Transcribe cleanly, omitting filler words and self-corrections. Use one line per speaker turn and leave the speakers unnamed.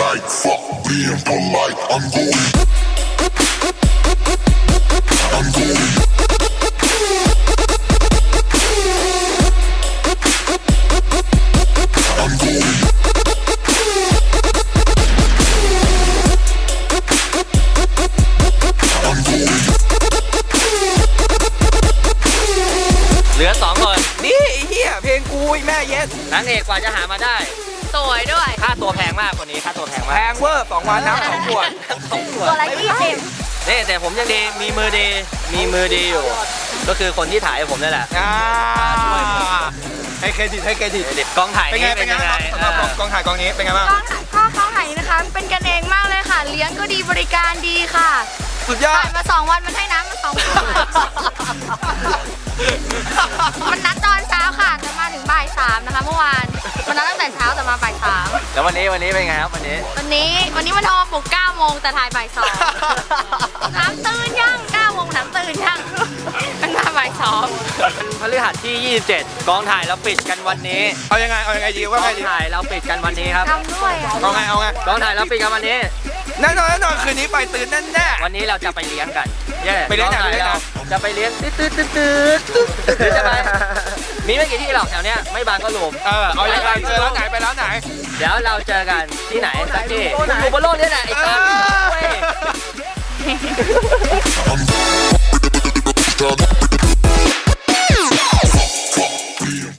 tonight. Fuck being polite. I'm going. I'm going. I'm going. I'm going.
เหลือ2 คน
นี่ไอ้เหี้ยเพลงกูไอ้แม่เย็ด
นางเอกกว่าจะหามาได้
สวยด้วย
ค่าตัวแพงมากคนนี้ค่าตัวแพง
แพ
มาก
งเวอร์2 วันน้ำ2 ขวด
2 ขวด
ตัวละ20
นี่แต่ผมยังดีมีมือดีอยู่ ก็คือคนที่ถ่ายให้ผมนี่แหละ
ให้เครดิตให้เครดิต
กองถ่าย
เป็นไง
นี่
เป็นไงครับสำหรับกองถ่ายกองนี้เป็นไงบ้าง
ข้าวไหนนะคะเป็นกันเองมากเลยค่ะ เลี้ยงก็ดีบริการดีค่ะ
สุดยอ
ถ่า
ด
ยมา2 วันมันให้น้ำมา2 ขวดมันนัดตอนเช้าค่ะจะมาถึงบ่าย 3นะคะเมื่อวานมันนัดตั้งแต่เช้าแต่มาบ่าย 3
แล้ววันนี้เป็นไงครับวันนี้
วันนี้มันโทรมาปลุก9 โมงแต่ถ่ายบ่าย 2น้ำตื่นยัง9 โมงน้ำตื่นยังมันมาบ่าย 2
พฤหัสที่ 27 กองถ่ายเราปิดกันวันนี้
เอายังไงดีว่าก ไง
อง
ดี
ถ่ายเราปิดกันวันนี้ครับ
ทำด้วยอ่ะ
เอาไง
กองถ่ายเราปิดกันวันนี้
แน่นอนคืนนี้ไปตื่นแน่
วันนี้เราจะไปเลี้ยงกันเย้
ไปเลี้ยงไหน
กอถ่า
ไปเลี้ยงไหน
เราจะไปเลี้ยงตืดหรือจะไปมีไม่กี่ที่หรอกแถวเนี้ยไม่บางก็รวม
เอายังไงเจอแล้วไหนไปแล้วไหน
เดี๋ยวเราเจอกันที่ไหนสักที่อยู่บนโลกนี่แหละไอ้ตันเว้ย
I'm